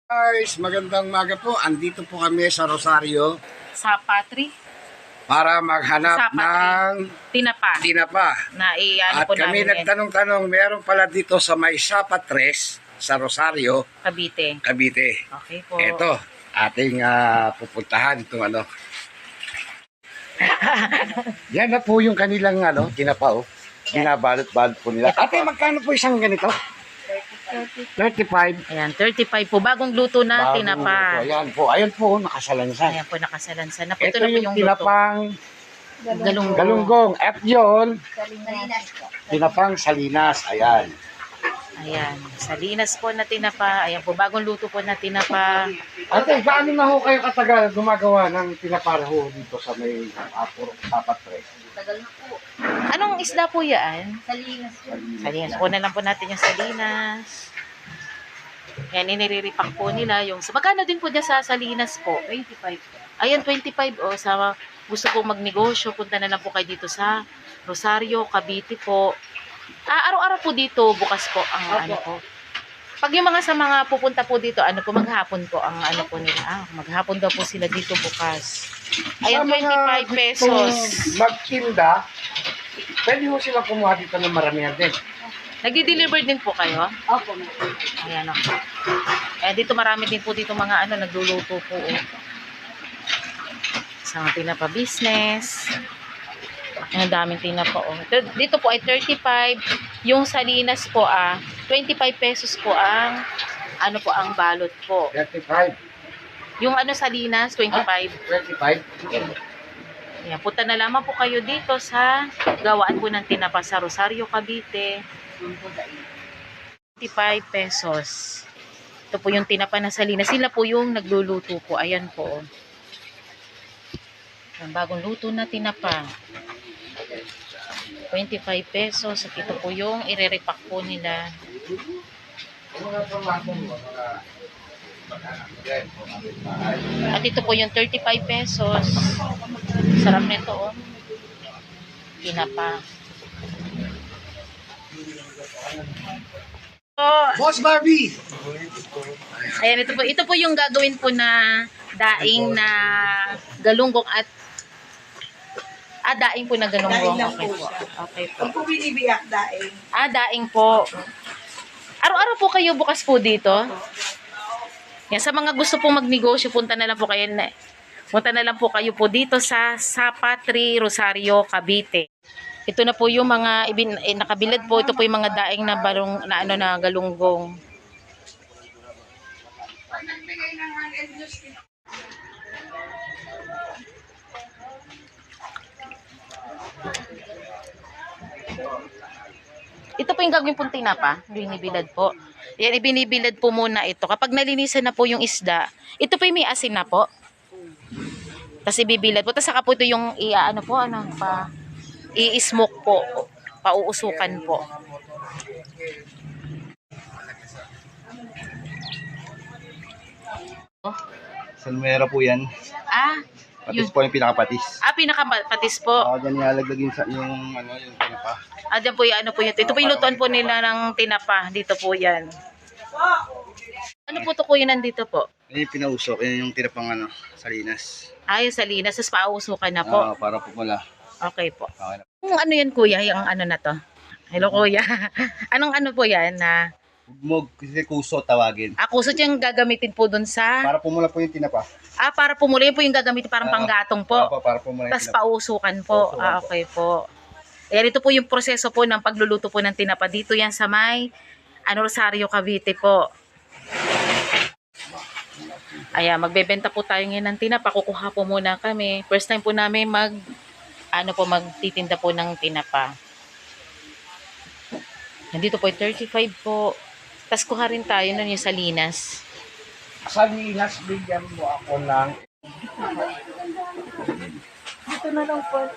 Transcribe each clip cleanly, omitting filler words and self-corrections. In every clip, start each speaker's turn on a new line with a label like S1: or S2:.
S1: Guys, magandang maga po. Andito po kami sa Rosario
S2: Sa Patri,
S1: para maghanap
S2: Sa Patri.
S1: ng tinapa.
S2: Na
S1: At
S2: po
S1: kami
S2: namin yan,
S1: nagtanong-tanong, meron pala dito sa may Sapatres sa Rosario,
S2: Cavite.
S1: Cavite.
S2: Okay po.
S1: Ito, ating pupuntahan itong ano. Yan na po yung kanilang tinapa. Binabalot-balot po nila.
S2: Ito po.
S1: Ate, magkano po isang ganito? 35.
S2: Ayan, 35 po. Bagong luto na
S1: Bagong
S2: tinapa.
S1: luto. Ayan po, nakasalansan.
S2: Ayan po, nakasalansan na po.
S1: Ito
S2: Ito na po
S1: yung
S2: yung luto.
S1: tinapang galunggong. At yun, tinapang Salinas. Ayan.
S2: Ayan, Salinas po na tinapa. Ayan po, bagong luto po na tinapa.
S1: Ate, gaano na ho kayo katagal gumagawa ng tinapara ho dito sa may Sapatres?
S3: Tagal na po.
S2: Anong isda po yan?
S3: Salinas po.
S2: Salinas. Kunan lang po natin yung Salinas. Yan, iniriripak po nila yung... So, magkano din po dyan sa Salinas po?
S3: 25 po.
S2: Ayan, 25. O, sa gusto pong magnegosyo, punta na lang po kayo dito sa Rosario, Cavite po. Araw-araw po dito, bukas po ang ano po. Pag yung mga sa mga pupunta po dito, ano po, maghapon po ang ano po nila. Maghapon daw po sila dito bukas. Ayan,
S1: Sa mga
S2: 25 pesos.
S1: gustong magtinda, pwede ho silang kumuha dito ng maramihan din.
S2: Nagdi-deliver din po kayo?
S3: Opo.
S2: Ayan o. Eh, dito marami din po dito mga ano, nagluluto po. Sa mga tinapa business. Ang daming tinapa o. Dito po ay 35. Yung Salinas po 25 pesos po ang ano po ang balot po.
S1: 35.
S2: Yung ano Salinas, 25.
S1: 25?
S2: Ayan, punta na lamang po kayo dito sa gawaan po ng tinapa sa Rosario, Cavite. 25 pesos. Ito po yung tinapa na Salinas. Sila po yung nagluluto po. Ayan po. Ang bagong luto na tinapa. 25 pesos. At ito po yung ireripak po nila. At ito po yung 35 pesos. Sarap nito oh. Tinapa.
S1: Boss Barbie!
S2: Ayan, ito po yung gagawin po na daing na galunggong at daing po na galunggong.
S3: Daing lang
S2: Okay
S3: po
S2: po.
S3: siya.
S2: Okay po.
S3: Pag po binibiyak daing.
S2: Daing po. Araw-araw po kayo bukas po dito. Yan, sa mga gusto pong magnegosyo, punta na lang po kayo po dito sa Patri, Rosario, Cavite. Ito na po yung mga nakabilad po. Ito po yung mga daing na na galunggong. Ito po yung gagawin pong tinapa, binibilad po. Yan, ibinibilad po muna ito. Kapag nalinisan na po yung isda, ito po yung may asin na po. Tapos ibibilad po. Tapos saka po ito yung i-smoke po. Pauusukan po.
S4: Salmera po yan. Patis
S2: Yun.
S4: po yung pinakapatis.
S2: Pinakapatis po.
S4: Diyan nilalaglag yung tinapa.
S2: Dyan po yung ito po yung lutuan po nila ng tinapa. Dito po yan. Ano po ito kuya nandito po?
S4: Yan yung pinausok. Yan yung tinapang Salinas.
S2: Yung Salinas. Tapos pauusukan na po.
S4: Para pumula.
S2: Okay po.
S4: Okay na.
S2: Kung ano yan kuya, yung ano na to? Hello kuya. Anong ano po yan na?
S4: Hugmog, kasi kuso tawagin.
S2: Kusot yung gagamitin po dun sa...
S4: Para pumula po yung tinapa.
S2: Para pumuli po yung gagamitin parang panggatong po.
S4: Para pumula yung
S2: Tapos
S4: tinapa.
S2: pausukan po.
S4: Pausukan po.
S2: Okay po. Ayan, ito po yung proseso po ng pagluluto po ng tinapa. Dito yan sa may Rosario, Cavite po. Ayan, magbebenta po tayo ngayon ng tinapa. Kukuha po muna kami. First time po namin magtitinda po ng tinapa. Nandito po 35 po. Tapos kuha rin tayo nun yung Salinas.
S1: Salinas, bigyan mo ako ng...
S3: Dito na lang po.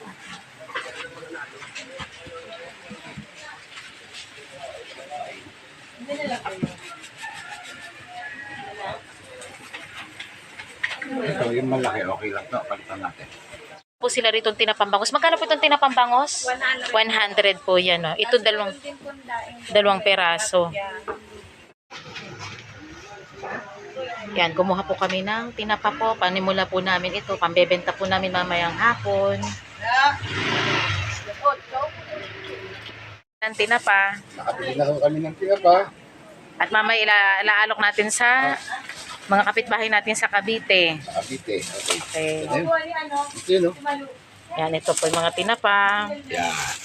S1: Ito, yung malaki, okay lang to. Palitan natin.
S2: Po sila rito tinapambangos. Magkano po itong tinapambangos? 100 po yan. No? Ito dalawang peraso. Yan, kumuha po kami ng tinapa po. Panimula po namin ito. Pambebenta po namin mamayang hapon. Ng tinapa.
S1: Nakabili na ho kami ng tinapa.
S2: At mamaya ilaalok natin sa mga kapitbahay natin sa Cavite.
S1: Cavite. Okay.
S2: Okay.
S1: Ito yun, no?
S2: Yan, ito po yung mga tinapa.
S1: Yan.